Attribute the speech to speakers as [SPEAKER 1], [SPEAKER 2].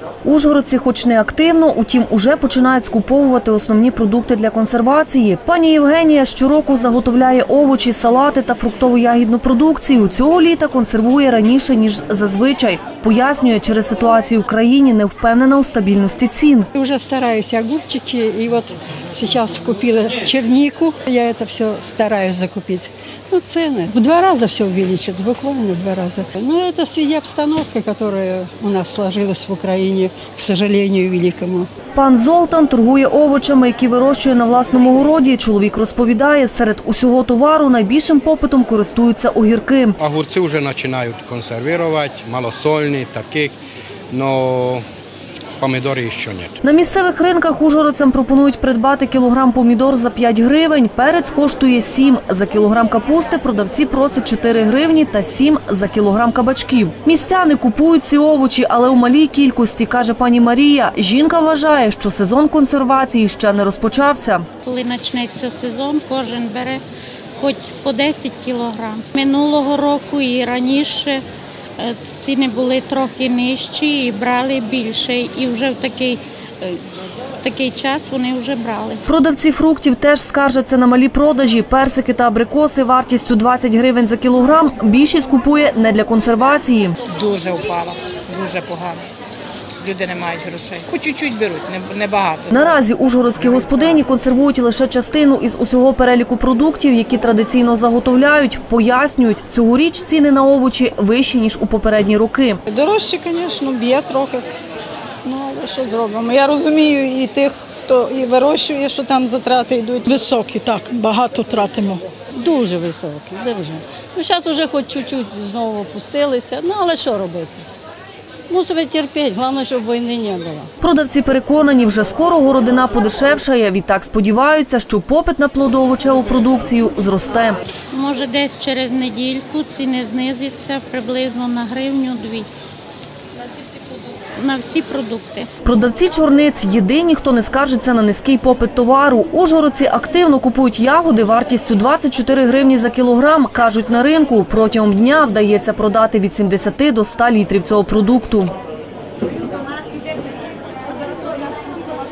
[SPEAKER 1] Ужгородці хоч не активно, утім уже починають скуповувати основні продукти для консервації. Пані Євгенія щороку заготовляє овочі, салати та фруктово-ягідну продукцію. Цього літа консервує раніше, ніж зазвичай. Пояснює, через ситуацію в країні не впевнена у стабільності цін.
[SPEAKER 2] Уже стараюсь огурчики, и вот сейчас купила чернику, я это все стараюсь закупить. Ну, цены в 2 раза все увеличится, буквально в 2 раза. Но это в связи обстановки, которая у нас сложилась в Украине, к сожалению, великому.
[SPEAKER 1] Пан Золтан торгує овочами, які вирощує на власному городі. Чоловік розповідає, серед усього товару найбільшим попитом користуються огірки.
[SPEAKER 3] Огурці вже починають консервувати, малосольні, такі, але помідори ще ні.
[SPEAKER 1] На місцевих ринках ужгородцям пропонують придбати кілограм помідор за 5 гривень, перець коштує 7. За кілограм капусти продавці просять 4 гривні та 7 за кілограм кабачків. Містяни купують ці овочі, але у малій кількості, каже пані Марія. Жінка вважає, що сезон консервації ще не розпочався.
[SPEAKER 4] Коли почнеться сезон, кожен бере хоч по 10 кілограм. Минулого року і раніше ціни були трохи нижчі і брали більше. І вже в такий час вони вже брали.
[SPEAKER 1] Продавці фруктів теж скаржаться на малі продажі. Персики та абрикоси вартістю 20 гривень за кілограм більшість купує не для консервації.
[SPEAKER 5] Дуже впала, дуже погано. Люди не мають грошей. По чуть-чуть беруть, небагато.
[SPEAKER 1] Наразі ужгородські господині консервують лише частину із усього переліку продуктів, які традиційно заготовляють. Пояснюють, цьогоріч ціни на овочі вищі, ніж у попередні роки.
[SPEAKER 6] Дорожче, звісно, б'є трохи. Ну, але що зробимо? Я розумію і тих, хто і вирощує, що там затрати йдуть.
[SPEAKER 7] Високі, так, багато тратимо.
[SPEAKER 8] Дуже високі, дуже. Ну, зараз вже хоч чуть-чуть знову опустилися, ну, але що робити? Мусимо терпіти, головне, щоб війни не було.
[SPEAKER 1] Продавці переконані, вже скоро городина подешевшає. Відтак сподіваються, що попит на плодово-овочеву продукцію зросте.
[SPEAKER 4] Може, десь через недільку ціни знизяться приблизно на гривню-2. На всі продукти.
[SPEAKER 1] Продавці чорниць – єдині, хто не скаржиться на низький попит товару. Ужгородці активно купують ягоди вартістю 24 гривні за кілограм. Кажуть, на ринку протягом дня вдається продати від 70 до 100 літрів цього продукту.